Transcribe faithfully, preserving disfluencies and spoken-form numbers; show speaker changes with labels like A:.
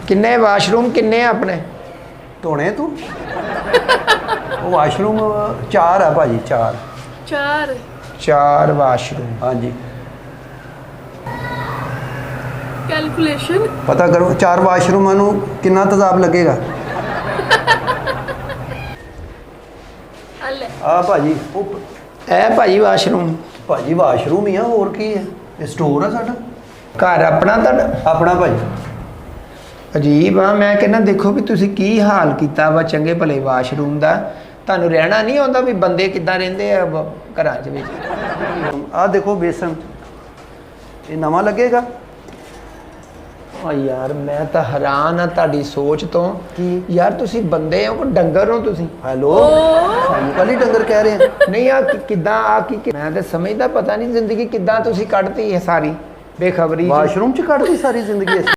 A: किन्ने वाशरूम किन्ने अपने
B: धोने तू वो वाशरूम चार है भाजी चार
C: चार
A: चार वाशरूम
B: हाँ जी
C: कैलकुलेशन
B: पता करो चार वाशरूमां नू कितना तेजाब लगेगा
C: अले
B: आ भाजी वो
A: ए भाई वाशरूम
B: भाजी वाशरूम ही है और की है ये स्टोर है साडा
A: घर अपना ਤੁਹਾਡਾ
B: अपना भाजी
A: ਅਜੀਬ ਆ ਮੈਂ ਕਹਿੰਦਾ ਦੇਖੋ ਵੀ ਤੁਸੀਂ ਕੀ ਹਾਲ ਕੀਤਾ ਵਾ ਚੰਗੇ ਭਲੇ ਵਾਸ਼ਰੂਮ ਦਾ ਤੁਹਾਨੂੰ ਰਹਿਣਾ ਨਹੀਂ ਆਉਂਦਾ ਵੀ ਬੰਦੇ ਕਿੱਦਾਂ ਰਹਿੰਦੇ ਆ ਬ- ਘਰਾਂ 'ਚ ਵਿੱਚ
B: आ देखो बेसन ये नवा लगेगा
A: ਓ ਯਾਰ ਮੈਂ ਤਾਂ ਹੈਰਾਨ ਆ ਤੁਹਾਡੀ ਸੋਚ ਤੋਂ
B: ਕੀ?
A: ਯਾਰ ਤੁਸੀਂ ਬੰਦੇ ਹੋ ਕਿ ਡੰਗਰ ਹੋ ਤੁਸੀਂ
B: हेलो सानू कल ही डंगर कह रहे हैं
A: ਨਹੀਂ ਆ ਕਿ- ਕਿੱਦਾਂ ਆ ਕੀ ਕੀ- ਮੈਂ ਤਾਂ ਸਮਝਦਾ ਪਤਾ ਨਹੀਂ ਜ਼ਿੰਦਗੀ ਕਿੱਦਾਂ ਤੁਸੀਂ ਕੱਢਤੀ ਹੈ ਸਾਰੀ ਬੇਖਬਰੀ 'ਚ।
B: वाशरूम च कट दी सारी जिंदगी